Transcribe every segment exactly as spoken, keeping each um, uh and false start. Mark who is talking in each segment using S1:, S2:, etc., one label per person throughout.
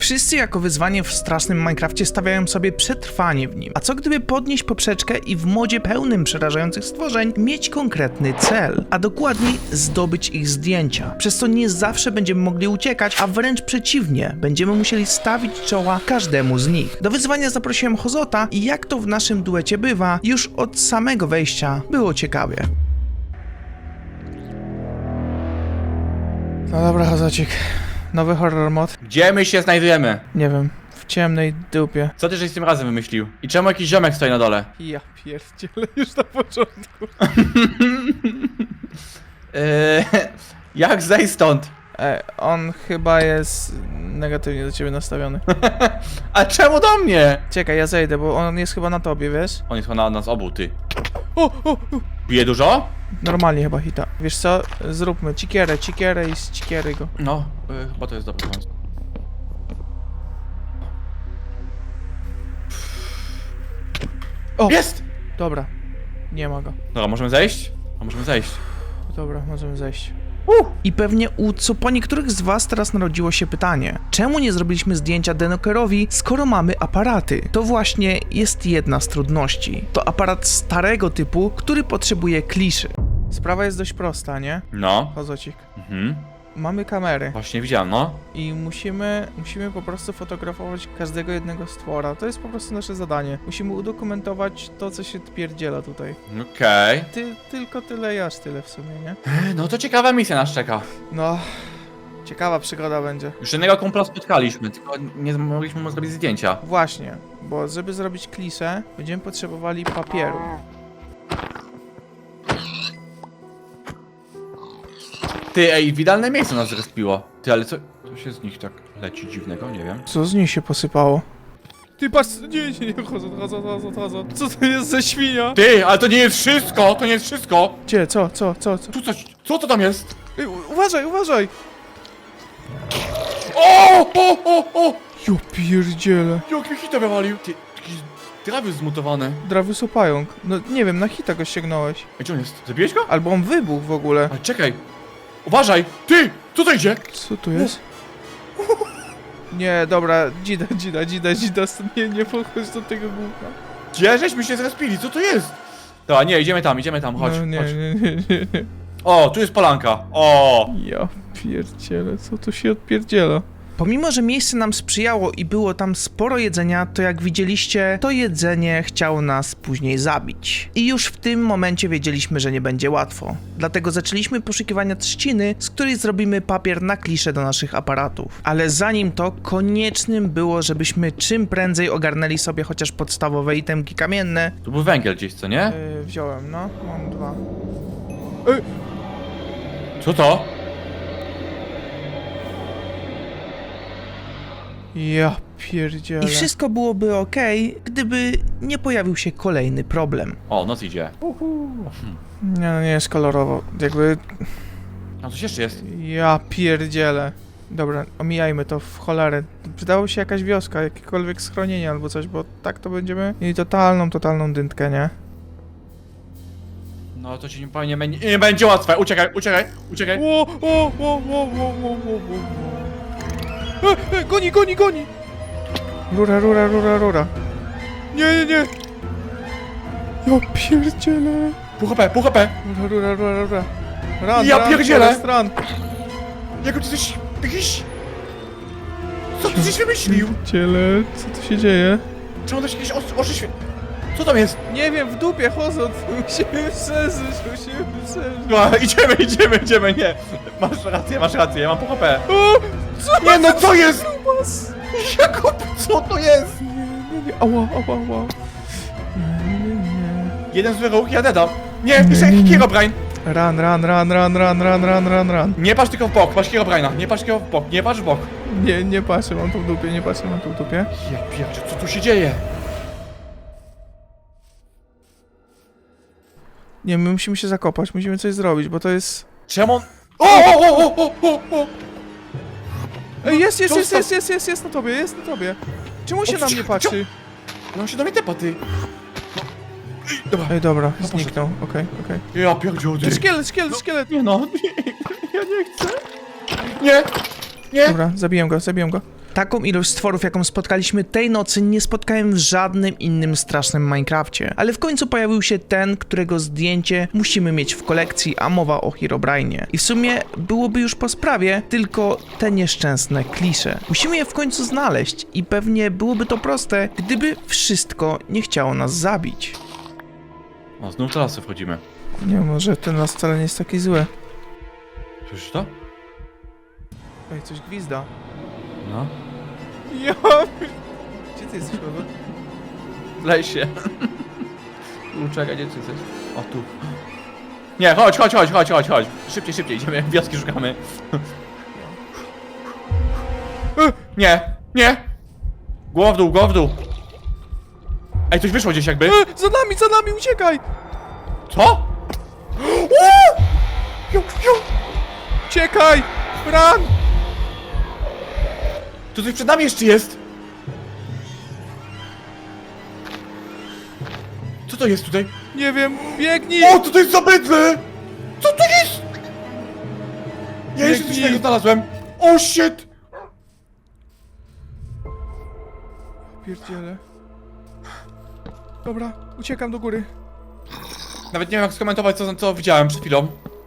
S1: Wszyscy jako wyzwanie w strasznym Minecrafcie stawiają sobie przetrwanie w nim. A co gdyby podnieść poprzeczkę i w modzie pełnym przerażających stworzeń mieć konkretny cel, a dokładniej zdobyć ich zdjęcia. Przez co nie zawsze będziemy mogli uciekać, a wręcz przeciwnie, będziemy musieli stawić czoła każdemu z nich. Do wyzwania zaprosiłem Hozota i jak to w naszym duecie bywa, już od samego wejścia było ciekawie. No dobra, Hozocik. Nowy horror mod.
S2: Gdzie my się znajdujemy?
S1: Nie wiem, w ciemnej dupie.
S2: Co ty żeś tym razem wymyślił? I czemu jakiś ziomek stoi na dole?
S1: Ja pierdzielę już na początku.
S2: Eee, jak zejść stąd?
S1: E, on chyba jest negatywnie do ciebie nastawiony.
S2: A czemu do mnie?
S1: Czekaj, ja zejdę, bo on jest chyba na tobie, wiesz?
S2: On jest chyba na nas obu, ty.
S1: O, o, o.
S2: Bije dużo?
S1: Normalnie chyba hita. Wiesz co? Zróbmy cikierę, cikierę i z cikiery go.
S2: No, y, chyba to jest dobry pomysł.
S1: O!
S2: Jest!
S1: Dobra. Nie ma go.
S2: Dobra, możemy zejść? A możemy zejść.
S1: Dobra, możemy zejść.
S2: Uh.
S1: I pewnie u co po niektórych z was teraz narodziło się pytanie, czemu nie zrobiliśmy zdjęcia Denokerowi, skoro mamy aparaty? To właśnie jest jedna z trudności. To aparat starego typu, który potrzebuje kliszy. Sprawa jest dość prosta, nie?
S2: No.
S1: Hozocik.
S2: Mhm.
S1: Mamy kamery
S2: Właśnie widziałem, no.
S1: i musimy, musimy po prostu fotografować każdego jednego stwora. To jest po prostu nasze zadanie. Musimy udokumentować to, co się pierdziela tutaj.
S2: Okej.
S1: Ty, tylko tyle i aż tyle w sumie, nie?
S2: Okay. No to ciekawa misja nas czeka.
S1: No, ciekawa przygoda będzie.
S2: Już jednego kumpla spotkaliśmy, tylko nie mogliśmy mu zrobić zdjęcia.
S1: Właśnie, bo żeby zrobić kliszę, będziemy potrzebowali papieru.
S2: Ty, ej, w idealne miejsce nas zrespiło. Ty, ale co, co się z nich tak leci dziwnego? Nie wiem.
S1: Co z nich się posypało? Ty patrz, nie, nie, nie, chodzą, chodzą, chodzą, chodzą. Co to jest za świnia?
S2: Ty, ale to nie jest wszystko, to nie jest wszystko!
S1: Gdzie, co, co, co, co?
S2: Tu coś, co to tam jest?
S1: Ej, u- uważaj, uważaj!
S2: O, o, o, o!
S1: Jo pierdziele.
S2: Jak mi hita wywalił? Ty, jakieś trawy zmutowane.
S1: Drawy pająk. No nie wiem, na hita go ściągnąłeś.
S2: Ej, gdzie on jest? Zabiłeś go?
S1: Albo on wybuchł w ogóle.
S2: Ale czekaj. Uważaj! Ty! Co to idzie?
S1: Co tu jest? Nie, dobra, dzida, dzida, dzida, dzida, nie, nie podchodź do tego gówna.
S2: Gdzie żeśmy się zrespili? Co to jest? Dobra, nie, idziemy tam, idziemy tam, chodź,
S1: No, nie,
S2: chodź.
S1: nie, nie, nie, nie.
S2: O, tu jest polanka. O!
S1: Ja pierdzielę, co tu się odpierdziela? Pomimo, że miejsce nam sprzyjało i było tam sporo jedzenia, to jak widzieliście, to jedzenie chciało nas później zabić. I już w tym momencie wiedzieliśmy, że nie będzie łatwo. Dlatego zaczęliśmy poszukiwania trzciny, z której zrobimy papier na kliszę do naszych aparatów. Ale zanim to, koniecznym było, żebyśmy czym prędzej ogarnęli sobie chociaż podstawowe itemki kamienne.
S2: Tu był węgiel gdzieś, co nie?
S1: Yy, wziąłem, no, mam dwa. Yy.
S2: Co to?
S1: Ja pierdzielę. I wszystko byłoby okej, gdyby nie pojawił się kolejny problem.
S2: O, noc idzie.
S1: Nie, no nie jest kolorowo. Jakby...
S2: Tam coś jeszcze jest.
S1: Ja pierdzielę. Dobra, omijajmy to w cholerę. Przydało się jakaś wioska, jakiekolwiek schronienie albo coś, bo tak to będziemy mieli totalną, totalną dyntkę, nie?
S2: No to ci nie, nie, nie będzie łatwe. Uciekaj, uciekaj, uciekaj.
S1: O, o, o, o, o, o, o, o. E, e, goni, goni, goni! Rura, rura, rura, rura. Nie, nie, nie! Ja pierdzielę.
S2: Pół H P, pół H P.
S1: Rura, rura, rura, rura. Run,
S2: Ja
S1: run,
S2: pierdzielę.
S1: Forest, run.
S2: Jak ty coś... jakiś... Co ty żeś wymyślił?
S1: Pierdzielę, co tu się dzieje?
S2: Czemu też jakieś oczy, oczy świe... Co tam jest?
S1: Nie wiem, w dupie chodzą, musimy przeżyć, musimy przeżyć.
S2: No, idziemy, idziemy, idziemy, nie. Masz rację, masz rację, ja mam pół H P.
S1: O, co
S2: Nie no, co jest?
S1: Grubas?
S2: Jakub, co to jest?
S1: Nie, nie, nie, ała, ała, ała. Nie, nie, nie.
S2: Jeden zły ruch, ja dedam. Nie, jeszcze jakiś Herobrine.
S1: Run, run, run, run, run, run, run, run, run.
S2: Nie patrz tylko w bok, patrz Herobrine'a, nie patrz tylko w bok, nie patrz w bok.
S1: Nie, nie patrzę, mam tu w dupie, nie patrzę, mam tu w dupie.
S2: Ja pierdzie, co tu się dzieje?
S1: Nie, my musimy się zakopać, musimy coś zrobić, bo to jest...
S2: Czemu on... O, o, o, o, o, o.
S1: Ej, jest, jest, jest,
S2: Zostaw.
S1: jest, jest, jest, jest na tobie, jest na tobie. Czemu się
S2: O,
S1: na
S2: cio-
S1: mnie
S2: cio-
S1: patrzy?
S2: No on się do mnie tepa, ty. No. Ej, dobra.
S1: Ej, dobra,
S2: No,
S1: zniknął, okej, okej.
S2: Ja pierdzie, ty.
S1: Szkielet, szkielet, szkielet!
S2: Nie no, nie, ja nie chcę. Nie, nie.
S1: Dobra, zabiłem go, zabiłem go. Taką ilość stworów, jaką spotkaliśmy tej nocy, nie spotkałem w żadnym innym strasznym Minecrafcie. Ale w końcu pojawił się ten, którego zdjęcie musimy mieć w kolekcji, a mowa o Herobrine'ie. I w sumie byłoby już po sprawie, tylko te nieszczęsne klisze. Musimy je w końcu znaleźć i pewnie byłoby to proste, gdyby wszystko nie chciało nas zabić.
S2: O, znów do lasu wchodzimy.
S1: Nie, może ten las wcale nie jest taki zły.
S2: Słyszysz to?
S1: Ej, coś gwizda.
S2: No.
S1: Ja... Gdzie ty jesteś, Paweł?
S2: W lesie. Czekaj, gdzie ty jesteś? O, tu. Nie, chodź, chodź, chodź, chodź, chodź, chodź. Szybciej, szybciej, idziemy, wioski szukamy. Nie, nie! Głowa w dół, głowa w dół. Ej, coś wyszło gdzieś jakby.
S1: E, za nami, za nami, uciekaj!
S2: Co? Ju, ju.
S1: Uciekaj! Run!
S2: Tu coś przed nami jeszcze jest! Co to jest tutaj?
S1: Nie wiem, biegnij!
S2: O, co to jest za bydle? Co to jest? Ja jeszcze coś
S1: Biegnij.
S2: takiego znalazłem. O, shit!
S1: Pierdziele. Dobra, uciekam do góry.
S2: Nawet nie wiem jak skomentować co, co widziałem przed chwilą.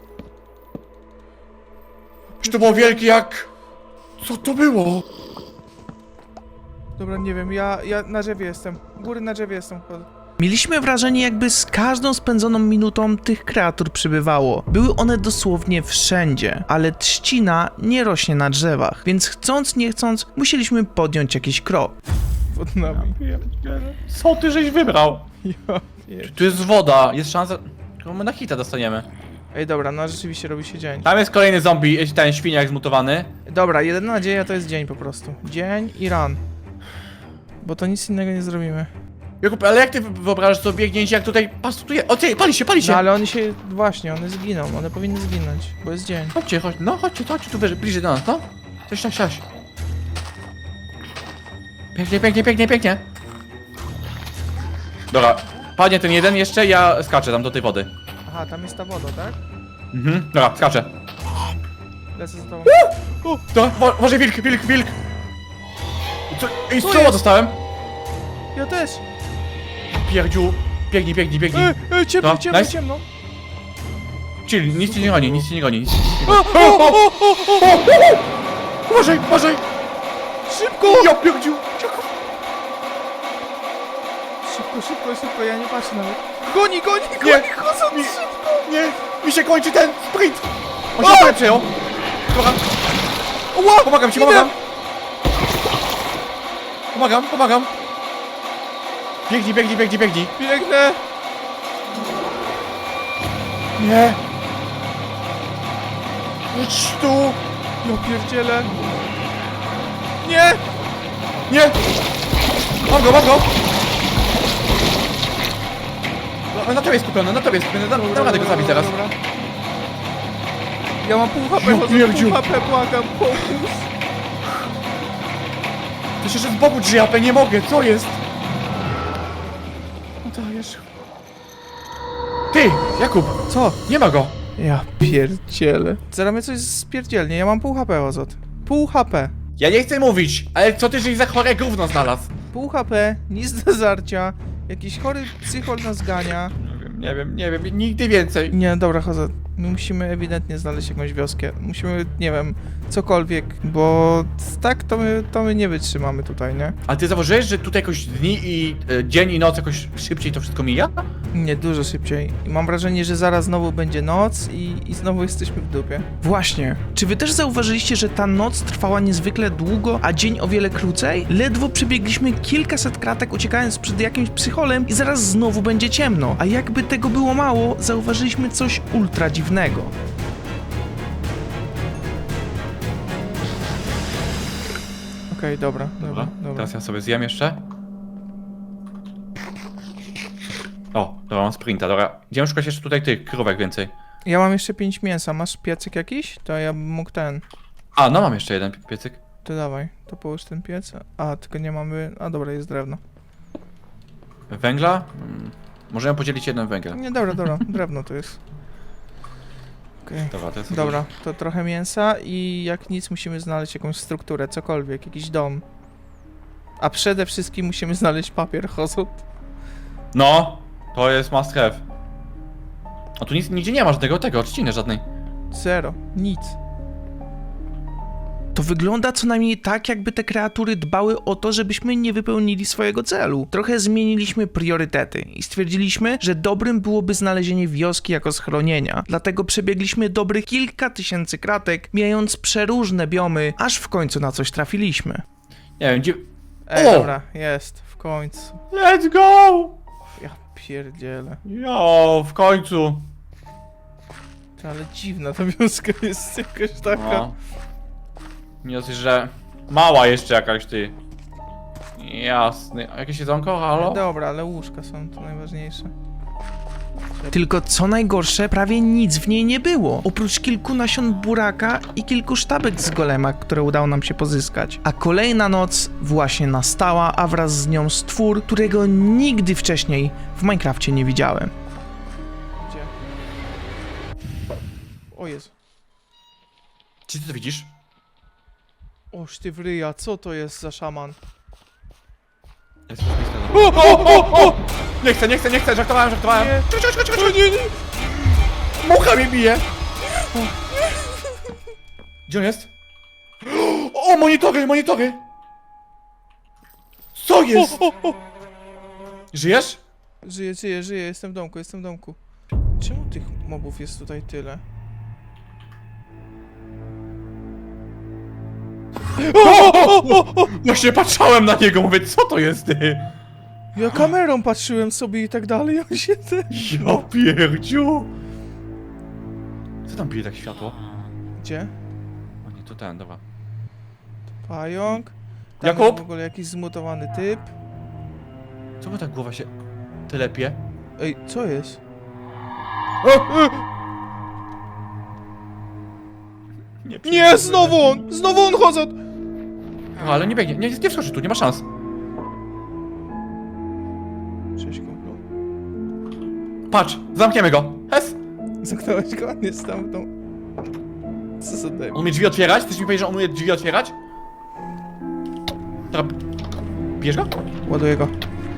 S2: Czy to było wielkie jak... Co to było?
S1: Dobra, nie wiem, ja, ja na drzewie jestem. Góry na drzewie jestem. Mieliśmy wrażenie, jakby z każdą spędzoną minutą tych kreatur przybywało. Były one dosłownie wszędzie, ale trzcina nie rośnie na drzewach, więc chcąc nie chcąc musieliśmy podjąć jakiś krok. Pod nami.
S2: Co ty żeś wybrał?
S1: Ja pier...
S2: Tu jest woda, jest szansa... Tylko my na hita dostaniemy.
S1: Ej, dobra, no rzeczywiście robi się dzień.
S2: Tam jest kolejny zombie, ten świniak zmutowany.
S1: Dobra, jedyna nadzieja to jest dzień po prostu. Dzień i run. Bo to nic innego nie zrobimy.
S2: Jakub, ale jak ty wyobrażasz sobie biegnięcie jak tutaj... Patrz, tu jest... O, ty, pali się, pali się!
S1: No ale oni się... Właśnie, one zginą. One powinny zginąć, bo jest dzień.
S2: Chodźcie, chodź, no chodźcie, chodźcie tu wyżej, bliżej do nas, no. Cześć, cześć, cześć. Pięknie, pięknie, pięknie, pięknie. Dobra, padnie ten jeden jeszcze, ja skaczę tam do tej wody.
S1: Aha, tam jest ta woda, tak?
S2: Mhm, dobra, skaczę.
S1: Lecę za tobą.
S2: O, dobra, mo- może wilk, wilk, wilk. Co? Ej,
S1: Co
S2: strzała
S1: jest?
S2: dostałem.
S1: Ja też!
S2: Pierdziu, biegnij, biegnij, biegnij.
S1: Ej, ej, ciemno,
S2: No,
S1: ciemno,
S2: nice.
S1: ciemno!
S2: Chill, nic cię nie goni, nic cię nie goni, nic cię nie
S1: O,
S2: goni.
S1: o, o, o, o,
S2: Uważaj, uważaj!
S1: szybko!
S2: Ja pierdziu!
S1: Szybko, szybko, szybko, ja nie patrzę nawet. Goni, goni, goni,
S2: Nie,
S1: chodząc
S2: mi-
S1: szybko!
S2: Nie, mi się kończy ten sprint! On
S1: O!
S2: się o! przejął. Dobra,
S1: Ła!
S2: pomagam ci,
S1: Idę.
S2: pomagam! Pomagam, pomagam! Biegnij, biegnij, biegnij, biegnij!
S1: Biegnę!
S2: Nie! Idź tu!
S1: Ja pierdzielę! Nie!
S2: Nie! Mam go, mam go! No, na tobie jest skupiony, na tobie jest skupiony, dam, dam radę go zabić zaraz.
S1: Dobra. Ja mam pół H P,
S2: Ja
S1: chodzę
S2: pierdziu.
S1: pół H P, błagam, pomóż!
S2: To się jeszcze z boku drzwiapę, nie mogę, co jest? No dajesz. Ty, Jakub,
S1: Co?
S2: nie ma go!
S1: Ja pierdzielę. Zaraz mnie coś spierdzielnie, ja mam pół H P, Ozot. Pół H P.
S2: Ja nie chcę mówić, ale co ty, żeś za chore gówno znalazł?
S1: Pół H P, nic do zarcia. Jakiś chory psychol nas gania.
S2: Nie wiem, nie wiem, nie wiem, nigdy więcej.
S1: Nie, dobra, chodzę. My musimy ewidentnie znaleźć jakąś wioskę. Musimy, nie wiem, cokolwiek, bo tak to my, to my nie wytrzymamy tutaj, nie?
S2: A ty zauważyłeś, że tutaj jakoś dni i e, dzień i noc jakoś szybciej to wszystko mija?
S1: Nie, dużo szybciej. I mam wrażenie, że zaraz znowu będzie noc i, i znowu jesteśmy w dupie. Właśnie. Czy wy też zauważyliście, że ta noc trwała niezwykle długo, a dzień o wiele krócej? Ledwo przebiegliśmy kilkaset kratek uciekając przed jakimś psycholem i zaraz znowu będzie ciemno. A jakby tego było mało, zauważyliśmy coś ultra dziwnego. Okej, dobra, dobra, dobra.
S2: Teraz ja sobie zjem jeszcze. O, dobra, mam sprinta, dobra. Idziemy szukać jeszcze tutaj tych krówek więcej.
S1: Ja mam jeszcze pięć mięsa. Masz piecyk jakiś? To ja bym mógł ten.
S2: A, no mam jeszcze jeden piecyk.
S1: To dawaj, to połóż ten piec. A, tylko nie mamy... A dobra, jest drewno.
S2: Węgla? Hmm. Możemy podzielić jeden węgiel.
S1: Nie, dobra, dobra, drewno to jest. Okej, Okej.
S2: Dobra, to jest...
S1: Dobra, to trochę mięsa i jak nic musimy znaleźć jakąś strukturę, cokolwiek, jakiś dom. A przede wszystkim musimy znaleźć papier, Hozut.
S2: No, to jest must have. A tu nic, nigdzie nie ma żadnego tego, trzciny żadnej.
S1: Zero, nic. To wygląda co najmniej tak, jakby te kreatury dbały o to, żebyśmy nie wypełnili swojego celu. Trochę zmieniliśmy priorytety i stwierdziliśmy, że dobrym byłoby znalezienie wioski jako schronienia. Dlatego przebiegliśmy dobrych kilka tysięcy kratek, mijając przeróżne biomy, aż w końcu na coś trafiliśmy.
S2: Nie wiem, gdzie...
S1: Ej,
S2: O!
S1: dobra, jest, w końcu.
S2: Let's go!
S1: Ja pierdzielę.
S2: Jo, w końcu.
S1: Ale dziwna ta wioska jest jakaś taka.
S2: No. Nie dosyć, że mała jeszcze jakaś ty. Jasny. A jakieś jedzonko? Halo?
S1: Dobra, ale łóżka są to najważniejsze. Tylko co najgorsze, prawie nic w niej nie było. Oprócz kilku nasion buraka i kilku sztabek z golema, które udało nam się pozyskać. A kolejna noc właśnie nastała, a wraz z nią stwór, którego nigdy wcześniej w Minecrafcie nie widziałem. Gdzie? O Jezu.
S2: Czy ty to widzisz?
S1: Oż ty wryja, co to jest za szaman?
S2: Jest o, o, o, o! Nie chcę, nie chcę, nie chcę, żartowałem, żartowałem.
S1: Nie.
S2: Czekaj, czekaj, czekaj,
S1: O
S2: czekaj.
S1: nie, nie!
S2: Mucha mnie bije! Gdzie on jest? O, monitory, monitory! Co jest?
S1: O, o, o.
S2: Żyjesz?
S1: Żyję, żyję, żyję, jestem w domku, jestem w domku. Czemu tych mobów jest tutaj tyle? O, o, o, o.
S2: Właśnie patrzałem na niego, mówię, co to jest ty?
S1: Ja kamerą patrzyłem sobie i tak dalej, on się te...
S2: Ja pierdziu! Co tam bije tak światło?
S1: Gdzie?
S2: O nie, to ten, dobra.
S1: Pająk. Tam
S2: Jakub?
S1: jest w ogóle jakiś zmutowany typ.
S2: Co by tak głowa się telepie?
S1: Ej, co jest?
S2: Nie,
S1: Nie, znowu on! Znowu on chodzą!
S2: No, ale nie biegnie, nie, nie wskoczy tu, nie ma szans.
S1: Cześć, kumplu.
S2: Patrz, zamkniemy go. Hes!
S1: Zamknąłeś go? Nie stamtąd. Co za daj?
S2: On umie drzwi otwierać? Chcesz mi powiedzieć, że on umie drzwi otwierać? Dobra. Bierz go?
S1: Ładuję go.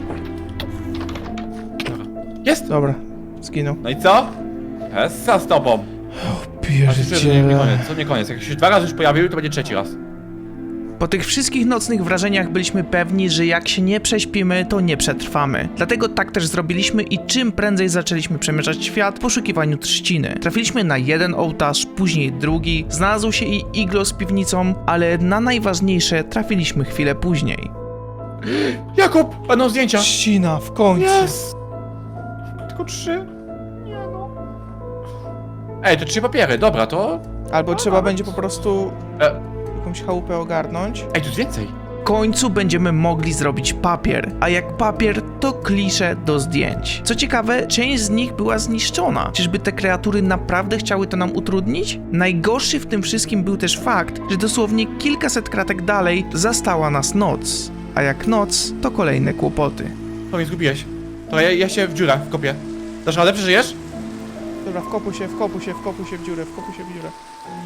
S2: Dobra. Jest!
S1: Dobra, zginął.
S2: No i co? Hessa z tobą. Aż jeszcze, że nie, nie koniec, co nie koniec. Jak się dwa razy już pojawił, to będzie trzeci raz.
S1: Po tych wszystkich nocnych wrażeniach byliśmy pewni, że jak się nie prześpimy, to nie przetrwamy. Dlatego tak też zrobiliśmy i czym prędzej zaczęliśmy przemierzać świat w poszukiwaniu trzciny. Trafiliśmy na jeden ołtarz, później drugi, znalazł się i iglo z piwnicą, ale na najważniejsze trafiliśmy chwilę później.
S2: Jakub! Będą zdjęcia!
S1: Trzcina, w końcu!
S2: Yes! Tylko trzy? Nie no. Ej, to trzy papiery, dobra, to...
S1: Albo
S2: A,
S1: trzeba
S2: nawet-
S1: będzie po prostu
S2: E,
S1: jakąś chałupę ogarnąć.
S2: ej, tu jest więcej.
S1: W końcu będziemy mogli zrobić papier, a jak papier, to klisze do zdjęć. Co ciekawe, część z nich była zniszczona. Czyżby te kreatury naprawdę chciały to nam utrudnić? Najgorszy w tym wszystkim był też fakt, że dosłownie kilkaset kratek dalej zastała nas noc. A jak noc, to kolejne kłopoty.
S2: To mnie zgubiłeś. To ja, ja się w dziurę wkopię. Dasz radę, przeżyjesz?
S1: Dobra, wkopuj się, wkopuj się, wkopuj się w dziurę, wkopuj się w dziurę.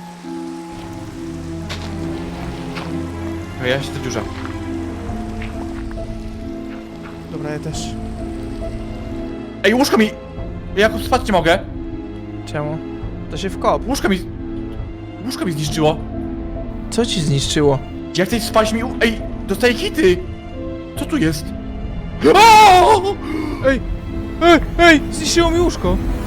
S2: To ja się w dziurze.
S1: Dobra, ja też.
S2: Ej, łóżko mi... Jakub, spać nie mogę.
S1: Czemu? To się wkop.
S2: Łóżko mi... Łóżko mi zniszczyło.
S1: Co ci zniszczyło?
S2: Jak chcesz spać mi... u- Ej, dostaję hity! Co tu jest? O!
S1: Ej! Ej! Ej! Zniszczyło mi łóżko!